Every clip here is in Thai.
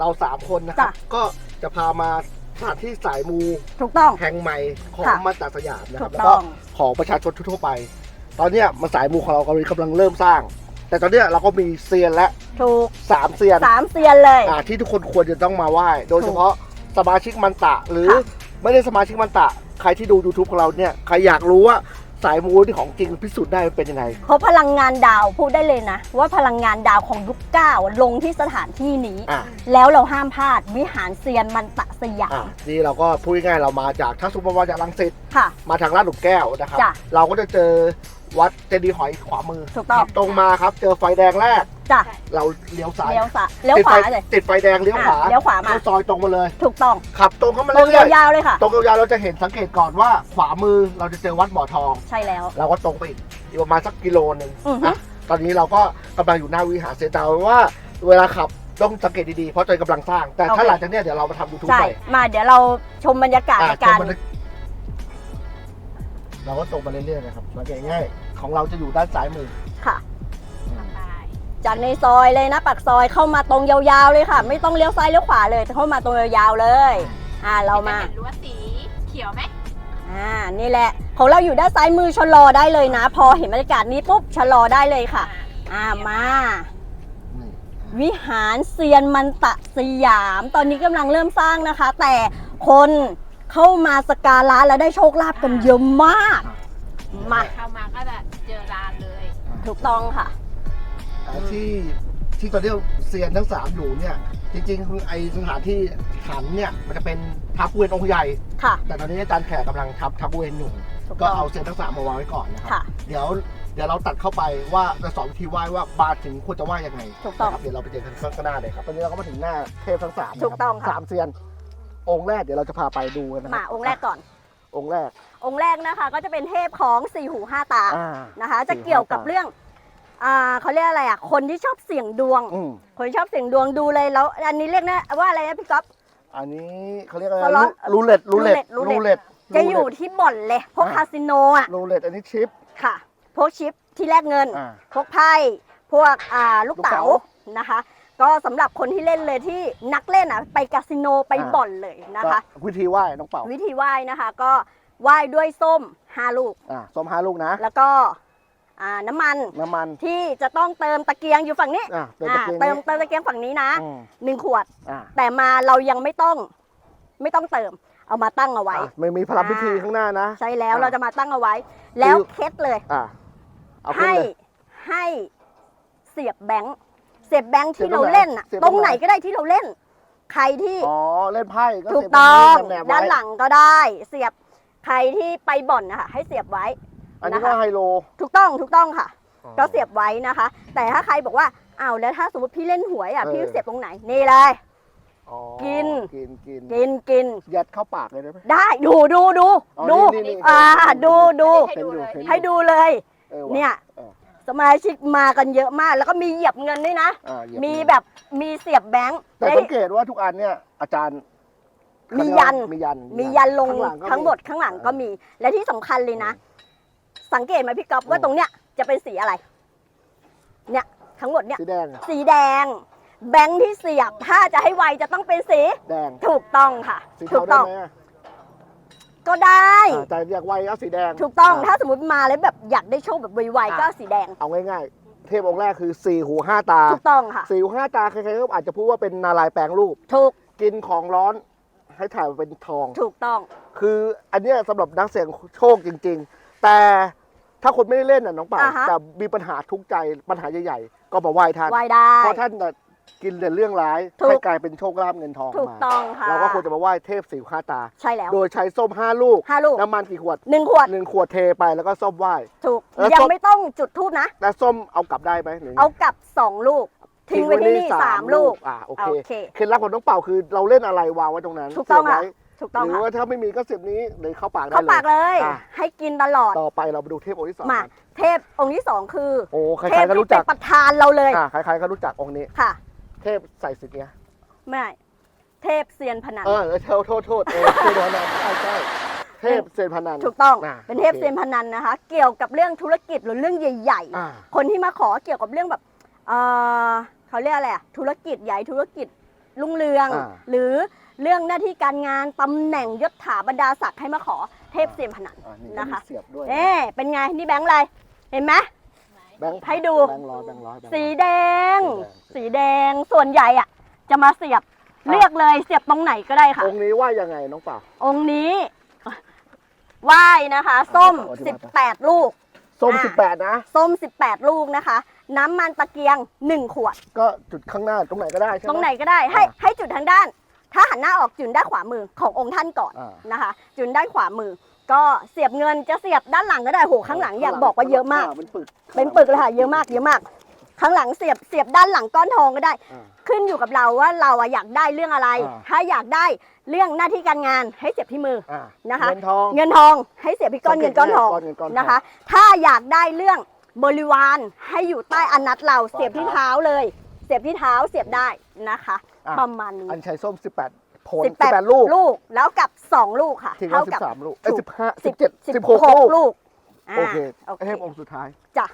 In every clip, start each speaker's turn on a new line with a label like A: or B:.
A: เรา3คนนะครับก็จะพามาสถานที่สายมู
B: ถูกต้อง
A: แห่งใหม่ของมาจากสยามนะครับ
B: ถูก
A: แล้ว
B: ต้
A: ก็
B: อง
A: ของประชาชนทั่วไป ตอนเนี้ยมาสายมูของเรากำลังเริ่มสร้าง แต่ตอนเนี้ยเราก็มีเซียนและ
B: ถูก
A: 3 เซียน
B: 3 เซียนเลย
A: ที่ทุกคนควรจะต้องมาไหว้โดยเฉพาะสมาชิกมันตะหรือ
B: ค่ะ
A: ไม่ได้สมาชิกมันตะใครที่ดู YouTube ของเราเนี่ยใครอยากรู้ว่าสายมูที่ของจริงพิสูจน์ได้เป็นยังไง
B: เพราะพลังงานดาวพูดได้เลยนะ ว่าพลังงานดาวของยุค9ลงที่สถานที่นี้ แล้วเราห้ามพลาดวิหารเซียนมันตะสยาม
A: นี่เราก็พูดง่ายๆเรามาจากถ้าสมมติว่าจากรังสิต
B: ค่ะ
A: มาทางลาดหลุมแก้วนะครับ
B: จ้ะ
A: เราก็จะเจอวัดเจดีย์หอยขวามือ
B: ถูกต้อง
A: ขับตรงมาครับเจอไฟแดงแรก
B: จ้ะ
A: เราเลี้ยวซ้าย
B: เลี้ยวขวาเลย
A: ติดไฟแดงเลี้ยวขวา
B: เลี้ยวขวามา
A: เข้าซอยตรงมาเลย
B: ถูกต้อง
A: ขับตรงเข้ามา
B: ตรง
A: เรื่อย
B: ยาวๆเลยค่ะ
A: ๆตรงยาวๆเราจะเห็นสังเกตก่อนว่าขวามือเราจะเจอวัดบ่อทอง
B: ใช่แล้ว
A: เราก็ตรงไปอีกประมาณสักกิโลนึง
B: อือฮึ
A: นะตอนนี้เราก็กำลังอยู่หน้าวิหารเซียนดาวว่าเวลาขับต้องสังเกตดีๆเพราะใจกำลังสร้าง แต่ถ้าหลังจากเนี้ยเดี๋ยวเรามาทำยูทูบ
B: ใช่
A: ไป
B: มาเดี๋ยวเราชมบรรยากาศในการ
A: เราก็ตรงไปเรื่อยๆนะครับสังเกตง่ายของเราจะอยู่ด้านซ้ายมือ
B: ค่ะ จากในซอยเลยนะปากซอยเข้ามาตรงยาวๆเลยค่ะ ไม่ต้องเลี้ยวซ้ายเลี้ยวขวาเลยเข้ามาตรงยาวๆเลยเรามา
C: เห็นรั้วสีเขียวไหม
B: นี่แหละของเราอยู่ด้านซ้ายมือชะลอได้เลยนะ พอเห็นบรรยากาศนี้ปุ๊บชะลอได้เลยค่ะมา
A: นี่
B: วิหารเซียนมันตะสยาม ตอนนี้กำลังเริ่มสร้างนะคะ แต่คนเข้ามาสักการะแล้วได้โชคลาภกันเยอะมากมา
C: เข้ามาก็จะเจอร้านเลย
B: ถูกต้องค่ะ
A: ที่ตอนนี้เซียนทั้ง3อยู่เนี่ยจริงๆคือไอสถานที่ขันเนี่ยมันจะเป็นทับเวรองค์ใหญ่
B: ค่ะ
A: แต่ตอนนี้อาจารย์แขกกำลังทับเวรอยู่
B: ถูกต้อง
A: ก็เอาเซียนทั้ง3มาวางไว้ก่อนนะครับ
B: ค่ะ
A: เดี๋ยวเราตัดเข้าไปว่าจะสอนวิธีไหว้ว่าบาทถึงควรจะไหว้ยังไง
B: ถูกต้อง
A: นะครับเดี๋ยวเราไปเจอกันข้างหน้าเลยครับตอนนี้เราก็มาถึงหน้าเทพทั้ง3
B: ถูกต้องค่ะ
A: 3เซียนองค์แรกเดี๋ยวเราจะพาไปดูกันนะค
B: มา
A: รับ
B: องค์แรกก่อน
A: องค์แรก
B: องค์แรกนะคะก็จะเป็นเทพของสี่หูห้าตา
A: อ่า
B: นะคะ จะเกี่ยวกับเรื่องเขาเรียกอะไรคนที่ชอบเสี่ยงดวง คนที่ชอบเสี่ยงดวงดูเลยแล้วอันนี้เรียกนะว่าอะไรนะพี่ก๊อฟ
A: อันนี้เขาเรียกอะไร
B: สล็อต
A: รูเล็ต
B: จะอยู่ที่บ่อนเลยพวกคาสิโนอ่ะ
A: รูเล็ตอันนี้ชิป
B: ค่ะพวกชิปที่แลกเงิน พวกไพ่พวกลูกเต๋า
A: ลูกเต๋า
B: นะคะ ก็สำหรับคนที่เล่นเลยที่นักเล่นไปคาสิโนไปบ่อนเลยนะคะ
A: ก็วิธีไหว้น้องเป่า
B: วิธีไหว้นะคะก็ไหว้ด้วยส้ม5 ลูก
A: ส้ม5 ลูกนะ
B: แล้วก็น้ำมัน ที่จะต้องเติมตะเกียงอยู่ฝั่งนี้
A: เติมตะเกียง
B: เติมตะเกียงฝั่งนี้นะ 1 ขวด
A: อ่า
B: แต่มาเรายังไม่ต้องเติมเอามาตั้งเอาไว้
A: ไม่มีพลังพิธีข้างหน้านะ
B: ใช่แล้วเราจะมาตั้งเอาไว้ แล้วเคล็ดเลย
A: เอาขึ้น
B: ให้
A: เลย
B: ให้เสียบแบงค์ที่
A: เสียบตร
B: เรา
A: งไหน
B: เล่น
A: เสียบ
B: ต
A: ต
B: ร
A: รง ง
B: ไห
A: ไห
B: น
A: น
B: ก็ได้ที่เราเล่น ใครที่
A: เล่นไพ่ก็
B: ถูก
A: เสียบ
B: ต้อง
A: แนบๆไว้
B: ด้านหลังก็ได้ เสียบใครที่ไปบ่อนนะคะให้เสียบไว้
A: อันนี้
B: นะ
A: ก็
B: คะ
A: ไฮโล
B: ถูกต้องค่ะ ก็เสียบไว้นะคะ แต่ถ้าใครบอกว่าอ้าวแล้วถ้าสมมติพี่เล่นหวยพี่เสียบตรงไหนนี่เลย กิน
A: กินยัดเข้าปากเลยได้ไหม
B: ได้ดู
A: อ๋อ
B: ดู
A: นี่
B: ดู
C: ให้ดูเลย
B: เนี่ยสมาชิกมากันเยอะมาก แล้วก็มีเหยียบเงินด้วยนะ มีแบบมีเสียบแบงค์
A: แต่สังเกตว่าทุกอันเนี่ยอาจารย์
B: มียัน
A: มี
B: ยันลง
A: ข้าหลัก็
B: ทั้งหมดข้างหลังก็มี และที่สำคัญเลยนะ สังเกตไหมพี่ก๊อฟว่าตรงเนี้ยจะเป็นสีอะไร เนี่ยทั้งหมดเนี่ย
A: สีแดง
B: สีแดง แบงค์ที่เสียบถ้าจะให้ไวจะต้องเป็นสี
A: แดง
B: ถูกต้องค่ะ
A: สี
B: ถู
A: เทาก ได้
B: ต้อง
A: ไหม
B: ก็ได้
A: แต่อยากไวเอาสีแดง
B: ถูกต้องถ้าสมมติมาแล้วแบบอยากได้โชคแบบไวๆก็สีแดง
A: เอาง่ายๆ เทพองค์แรกคือ4 หู 5 ตา
B: ถูกต้องค่ะ
A: 4 หู 5 ตาใครๆก็อาจจะพูดว่าเป็นนารายณ์แปลงรูป
B: ถูก
A: กินของร้อนให้ถ่ายมาเป็นทอง
B: ถูกต้อง
A: คืออันเนี้ยสำหรับนักเสี่ยงโชคจริง ๆ แต่ถ้าคนไม่ได้เล่นน่ะน้องป่า แต่มีปัญหาทุกข์ใจปัญหาใหญ่ๆก็มาไหว้ท่าน
B: ไวได้
A: เพราะท่านน่ะกินแต่เรื่องร้าย
B: ถูก
A: ให้กลายเป็นโชคลาภเงินทอง
B: ถูก
A: มา
B: ต้องค่ะ
A: เราก็ควรจะมาไหว้เทพ4 หู 5 ตา
B: ใช่แล้ว
A: โดยใช้ส้ม5 ลูก
B: 5 ลูก
A: น้ำมันกี่ขวด
B: 1 ขวด
A: 1 ขวดเทไปแล้วก็ส้มไหว้
B: ถูก
A: แล้ว
B: ยัง
A: ส้ม
B: ไม่ต้องจุดทูบนะ
A: แต่ส้มเอากลับได้ไหมหรือไง
B: เอากลับ 2 ลูก ทิ้งไว้ที่นี่3 ลูก
A: โอเค
B: โอเค
A: เคล็ดลับของน้องเป่าคือเราเล่นอะไรวางไว้ตรงนั้น
B: ถูกต้อง
A: เสียบ
B: ค่ะ
A: ไว้
B: ถูกต้อง
A: หรือ
B: ค่ะ
A: ว่าถ้าไม่มีก็เสียบนี้เลยเข้าปากได้
B: เข้าปากเลย
A: อ่ะ
B: ให้กินตลอด
A: ต่อไปเราไปดูเทพองค์ที่ 2
B: มา
A: กัน
B: เทพองค์ที่ 2 คือ
A: โอ้ใคร
B: เทพ
A: ๆก็
B: ที่
A: รู้
B: เป็
A: จั
B: น
A: ก
B: ประธานเราเลย
A: ใครๆก็รู้จักองค์นี้
B: ค่ะ
A: เทพใส่สิทธิ์เนี้ย
B: ไม่เทพเซียนพนัน
A: โทษเทพพนันใช่เทพเซียนพนัน
B: ถูกต้อง
A: ะ
B: เป็นเทพเซียนพนันนะคะ เกี่ยวกับเรื่องธุรกิจหรือเรื่องใหญ่
A: อ่า
B: ๆ คนที่มาขอเกี่ยวกับเรื่องแบบเขาเรียกอะไรอะธุรกิจใหญ่ธุรกิจรุ่งเรือง หรือเรื่องหน้าที่การงานตำแหน่งยศถาบรรดาศักดิ์ให้มาขอเทพเซียนพนันนะคะ
A: เสียบด้วย
B: เป็นไงนี่แบงค์อะไรเห็นไหม
A: แบงค์
B: ให้ดู
A: แบงค์ร้อยแบงค์ร้อย
B: สีแดง สีแดงส่วนใหญ่อะจะมาเสียบเลือกเลยเสียบตรงไหนก็ได้ค่ะ
A: องค์นี้ว่ายังไงน้องเปล่า
B: องค์นี้ไหว้นะคะ ส้ม 18 ลูก
A: ส้ม18นะ
B: ส้ม 18 ลูกนะคะ น้ำมันตะเกียง 1 ขวด
A: ก็จุดข้างหน้าตรงไหนก็ได้ใช่ไหม
B: ตรงไหนก็ได้ให้จุดทางด้าน ถ้าหันหน้าออกจุดด้านขวามือขององค์ท่านก่อน
A: อ่า
B: นะคะ จุดด้านขวามือ ก็เสียบเงินจะเสียบด้านหลังก็ได้โหข้างหลังอยากบอกว่าเยอะมาก
A: เป็นปึก
B: เป็นปึกเลยค่ะเยอะมากเยอะมาก ข้างหลังเสียบด้านหลังก้อนทองก็ได้
A: อ่า
B: ขึ้นอยู่กับเราว่าเราอะอยากได้เรื่องอะไร
A: อ่า
B: ถ้าอยากได้เรื่องหน้าที่การงานให้เสียบที่มือ
A: อ่า
B: นะคะ
A: เงินทอง
B: เงินทองให้เสียบที่ก้อนเงินก้อนทอง
A: ก้อนเงินก้อนทอง
B: นะคะ ถ้าอยากได้เรื่องบริวารให้อยู่ใต้อนัตเราเสียบที่เท้าเลย เสียบที่เท้าเสียบได้นะคะ
A: อ่ะ
B: ประมาณนี้
A: อันชัยส้ม18ผล18ลูก
B: ลูกแล้วกับ 2 ลูกค่ะ
A: ทิ้งไว้
B: เท่ากับ
A: 13ลูกเอ้ย
B: ถูก
A: 15 17 16
B: 16 ลูก
A: โอเค
B: โอเค
A: เทพองค์สุดท้าย
B: จ้ะ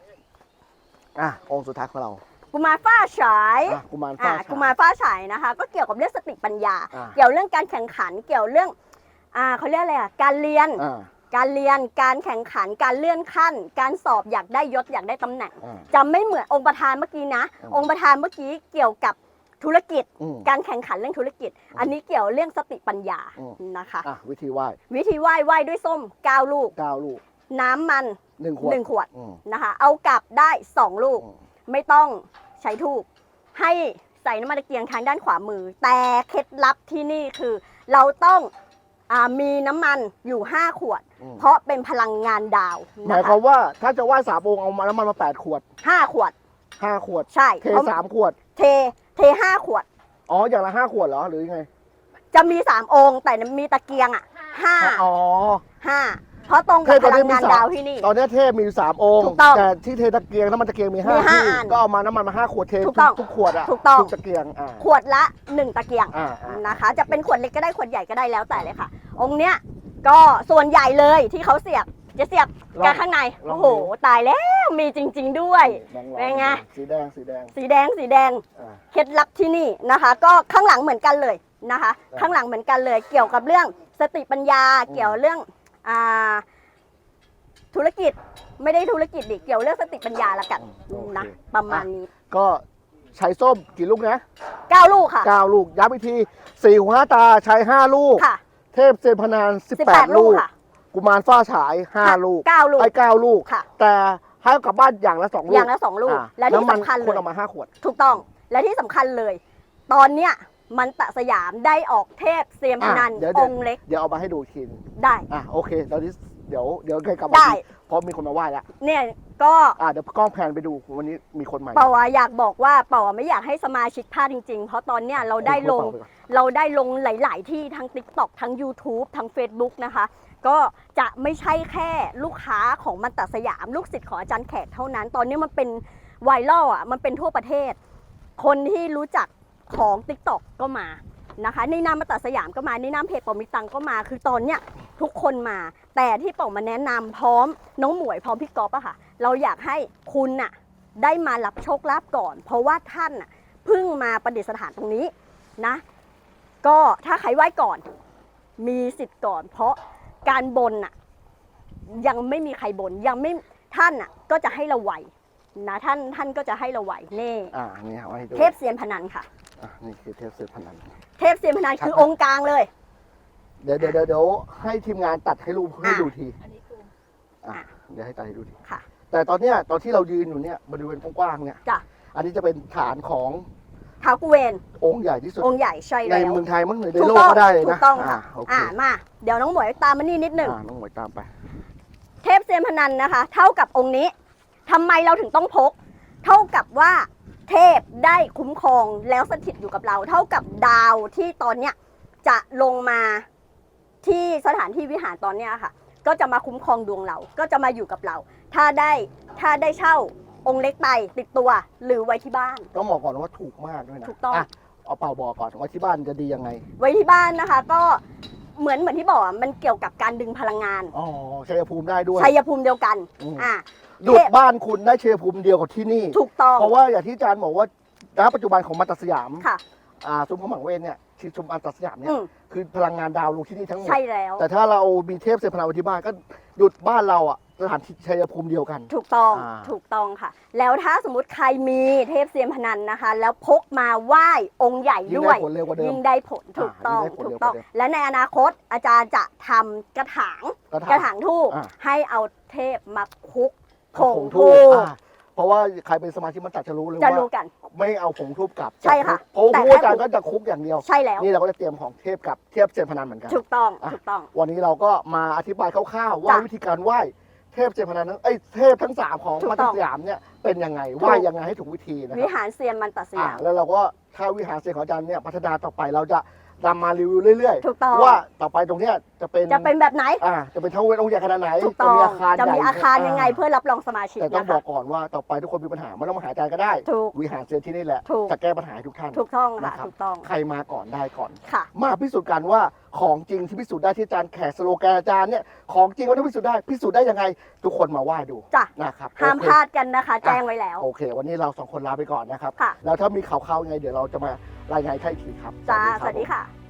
A: องค์สุดท้ายของเรา
B: กุมารฟ้าฉาย
A: กุมารฟ้า
B: กุมารฟ้าฉายนะคะ ก็เกี่ยวกับเรื่องสติปัญญา
A: อ่า
B: เกี่ยวเรื่องการแข่งขันเกี่ยวเรื่องเขาเรียกอะไรการเรียน การเรียนการแข่งขันการเลื่อนขั้น การสอบอยากได้ยศอยากได้ตำแหน่ง จะไม่เหมือนองค์ประธานเมื่อกี้นะ องค์ประธานเมื่อกี้เกี่ยวกับธุรกิจ การแข่งขันเรื่องธุรกิจ อันนี้เกี่ยวเรื่องสติปัญญานะคะ
A: วิธีไหว้
B: วิธีไหว้ด้วยส้ม9 ลูก
A: 9ลูก
B: น้ำมัน
A: 1 ขวด
B: 1 ขวดนะคะ เอากลับได้2 ลูก ไม่ต้องใช้ทูบให้ใส่น้ำมันตะเกียงทางด้านขวามือ แต่เคล็ดลับที่นี่คือ เราต้องมีน้ำมันอยู่5 ขวด เพราะเป็นพลังงานดาว
A: หมายความว่าถ้าจะไหว้3องค์เอามาน้ำมันมา8ขวด
B: 5 ขวด
A: 5 ขวด
B: ใช่
A: เท3ขวด
B: เท5 ขวด
A: อ๋ออย่างละ5ขวดเหรอหรือยังไง
B: จะมี3 องค์แต่มีตะเกียง
A: อ๋อ
B: 5เพราะตรงกับพลังงานดาวที่นี่
A: ตอนนี้เทพมีอยู่3องค์
B: ถูกต้อง
A: แต่ที่เทตะเกียงน้ำมันตะเกียงมี
B: มี
A: 5
B: ห้า
A: ที่
B: อัน
A: ก็เอามาน้ำมันมา5ขวดเท
B: ถูกต้อง
A: ทุกขวดอ่ะ
B: ถูกต้อง
A: ทุกตะเกียง
B: ขวดละ1 ตะเกียง
A: อ่า
B: นะคะ จะเป็นขวดเล็กก็ได้ขวดใหญ่ก็ได้แล้วแต่เลยค่ะ องค์เนี้ยก็ส่วนใหญ่เลยที่เขาเสียบจะเสียบกันข้างในโอ้โหตายแล้วมีจริง ๆด้วย เป็นไง
A: สีแดงสีแดง
B: สีแดงเคล็ดลับที่นี่นะคะ ก็ข้างหลังเหมือนกันเลยนะคะ ข้างหลังเหมือนกันเลย เกี่ยวกับเรื่องสติปัญญาเกี่ยวเรื่องธุรกิจไม่ได้ธุรกิจดิเกี่ยวเรื่องสติปัญญาละกันนะประมาณนี้
A: ก็ใช้ส้มกี่ลูกนะ
B: 9 ลูกค่ะ
A: 9ลูกย้ำอีกที4หู5ตาใช้5ลูก
B: ค่ะ
A: เทพเซนพนาน18 ลูก
B: ค่ะ
A: กุมารฟ้าฉาย5ลูก
B: 9 ลูก
A: ไอ้9ลูก
B: ค่ะ
A: แต่ให้เอากลับบ้านอย่างละ2ลูก
B: อย่างละ2 ลูก และที่
A: น้ำมัน
B: สำคัญเล
A: คน
B: ย
A: เอามา5ขวด
B: ถูกต้องและที่สำคัญเลย ตอนเนี้ยมันตะสยามได้ออกเทพเซียมพนัน
A: เดี๋ยว
B: องค์เล็ก
A: เดี๋ยวเอามาให้ดูอีกทีนึง
B: ได้
A: โอเคตอนนี้เดี๋ยวเคยกลับมา
B: ได้
A: ทีเพราะมีคนมาไหว้แล้ว
B: เนี่ยก็
A: เดี๋ยวกล้องแพนไปดูวันนี้มีคนใหม่
B: เป่าอยากบอกว่าเป่าไม่อยากให้สมาชิกพลาดจริงๆ เพราะตอนเนี้ยเราได้ลงหลายๆที่ทั้ง TikTok ทั้ง YouTube ทั้ง Facebook นะคะ ก็จะไม่ใช่แค่ลูกค้าของมันตะสยามลูกศิษย์ของอาจารย์แขกเท่านั้น ตอนนี้มันเป็นไวรัลมันเป็นทั่วประเทศ คนที่รู้จักของ TikTok ก็มานะคะในนามมันตะสยามก็มาในนามเพจปอมิตังก็มาคือตอนเนี้ยทุกคนมาแต่ที่ป๋อมาแนะนำพร้อมน้องหมวยพร้อมพี่ก๊อฟอะค่ะเราอยากให้คุณน่ะได้มารับโชคลาภก่อน เพราะว่าท่านน่ะเพิ่งมาประดิษฐานตรงนี้นะก็ถ้าใครไหว้ก่อนมีสิทธิ์ก่อน เพราะการบนน่ะยังไม่มีใครบนยังไม่ท่านน่ะก็จะให้เราไหวนะท่านก็จะให้เราไหวเน่
A: นี่ไว้ให้ดู
B: เทพเซียนพนันค่ะ
A: นี่คือเทพเซนพนัน
B: เทพเซียนพนันคือองค์กลางเลย
A: เดี๋ยวให้ทีมงานตัดให้รูปให้ดูที
C: อันนี้คือ
A: เดี๋ยวให้ตัดให้ดูที
B: ค่ะ
A: แต่ตอนที่เรายืนอยู่เนี่ยบริเวณกว้างๆเนี่ย
B: จ้ะ
A: อันนี้จะเป็นฐานของ
B: ท้าวกุเวน
A: องค์ใหญ่ที่สุด
B: องค์ใหญ่ใช่
A: ใน
B: แล้ว
A: เมืองไทยมั้งหรือใน
B: ถู
A: โล
B: ก
A: ก
B: ต้อง
A: ก็ได้เลย
B: ถู
A: นะ
B: กต้องค่ะ
A: โอเค
B: มาเดี๋ยวน้องหมวยตามมานี่นิดหนึ่ง
A: น้องหมวยตามไป
B: เทพเซียนพนันนะคะ เท่ากับองค์นี้ทำไมเราถึงต้องพก เท่ากับว่าเทพได้คุ้มครองแล้วสถิตอยู่กับเรา เท่ากับดาวที่ตอนเนี้ยจะลงมาที่สถานที่วิหารตอนเนี้ยค่ะ ก็จะมาคุ้มครองดวงเรา ก็จะมาอยู่กับเรา ถ้าได้เช่าองค์เล็กไปติดตัวหรือไว้ที่บ้าน
A: ต้องบอกก่อนว่าถูกมากด้วยนะ
B: ถูกต้อง
A: เอาเป่าบอกก่อนว่าที่บ้านจะดียังไง
B: ไว้ที่บ้านนะคะ ก็เหมือนที่บอกมันเกี่ยวกับการดึงพลังงาน
A: อ๋อชัยภูมิได้ด้วย
B: ชัยภูมิเดียวกัน
A: ดุดบ้านคุณได้ชัยภูมิเดียวกับที่นี่
B: ถูกต้อง
A: เพราะว่าอย่างที่อาจารย์บอกว่าณปัจจุบันของมัตตสยาม
B: ค่ะ
A: ซุ้มขมังเวทเนี่ยที่ซุ้มอันตสยามเนี่
B: อื
A: ย
B: ม
A: คือพลังงานดาวลงที่นี่ทั้งหมด
B: ใช่แล้ว
A: แต่ถ้าเรามีเทพเซยนพนันไว้ที่บ้านก็หยุดบ้านเราอ่ะสถานที่ชัยภูมิเดียวกัน
B: ถูกต้อง
A: อ่า
B: ถูกต้องค่ะ แล้วถ้าสมมติใครมีเทพเซียนพนันนะคะ แล้วพกมาไหว้องค์ใหญ่
A: ยิ่ง
B: ด้ว
A: ได้
B: ย
A: ผลเร็วกว่าเดิม
B: ยิ่งได้ผลถูกต้อง
A: ยิ่งได้ผล
B: ถู
A: เร็
B: ก
A: ว
B: ต้อง
A: กว่าเดิม
B: และในอนาคตอาจารย์จะทำกระถาง
A: กระถาง
B: ทูบ
A: อ่า
B: ให้เอาเทพมาคลุกผง
A: ทู
B: ทู
A: บบ เพราะว่าใครเป็นสมาชิกมันตัดจะรู้เลย
B: จะ
A: ว่า
B: รู้กัน
A: ไม่เอาผงทูบกลับ
B: ใช่ค่ะ
A: เพราะ
B: แต่
A: ผู้
B: แค่
A: อาจารย์ก็จะคุกอย่างเดียว
B: ใช่แล้ว
A: นี่เราก็จะเตรียมของเทพกับเทียบเซียนพนันเหมือนกัน
B: ถูกต้อง
A: อ่ะ
B: ถูกต้อง
A: วันนี้เราก็มาอธิบายคร่าวๆว่า
B: จ้ะ
A: วิธีการไหว้เทพเซียนพนันนั้นเทพทั้ง3ของ
B: ถูก
A: มัต
B: ต้
A: ต
B: อง
A: สยามเนี่ยเป็นยังไงไหว้ยังไงให้ถูกวิธีนะค
B: วิ
A: รับ
B: หารเซียนมันตัดสยาม
A: แล้วเราก็ถ้าวิหารเซียนของอาจารย์เนี่ยพัฒนาต่อไปเราจะนำมารีวิวเรื่อย
B: ถูกต้อง
A: ว่าต่อไปตรงเนี้ยจะเป็น
B: จะเป็นแบบไหน
A: จะเป็นท้าวเวสองค์ใหญ่ขนาดไหน
B: ถูกต้อง
A: จะมีอาคาร
B: จะมี
A: ใหญ่
B: อาคารยังไงเพื่อรับรองสมาชิก
A: แต่ต้อง
B: นะ
A: บอ
B: คะ
A: กก่อนว่าต่อไปทุกคนมีปัญหาไม่ต้องมาหาอาจารย์ก็ได้
B: ถูก
A: วิหารเซียนที่นี่แหละ
B: ถูก
A: จะแก้ปัญหาให้ทุกท่าน
B: ถูกต้องค่ะ
A: นะครับ
B: ถูกต้อง
A: ใครมาก่อนได้ก่อน
B: ค่ะ
A: มาพิสูจน์กันว่าของจริงที่พิสูจน์ได้ที่อาจารย์แขกสโลแกนอาจารย์เนี่ยของจริงว่าต้องพิสูจน์ได้ยังไง ทุกคนมาไหว้ดู
B: จ้ะ
A: นะครับ
B: ห้าม
A: โอเค
B: พลาดกันนะคะ แจ้งไว้แล้ว
A: โอเค วันนี้เรา2 คนลาไปก่อนนะครับ
B: ค่ะ
A: แล้วถ้ามีข่าวๆยังไงเดี๋ยวเราจะมารายงานให้อีกทีครับ
B: จ้า
A: ครับ
B: สวัสดี
A: ผม
B: ค่ะ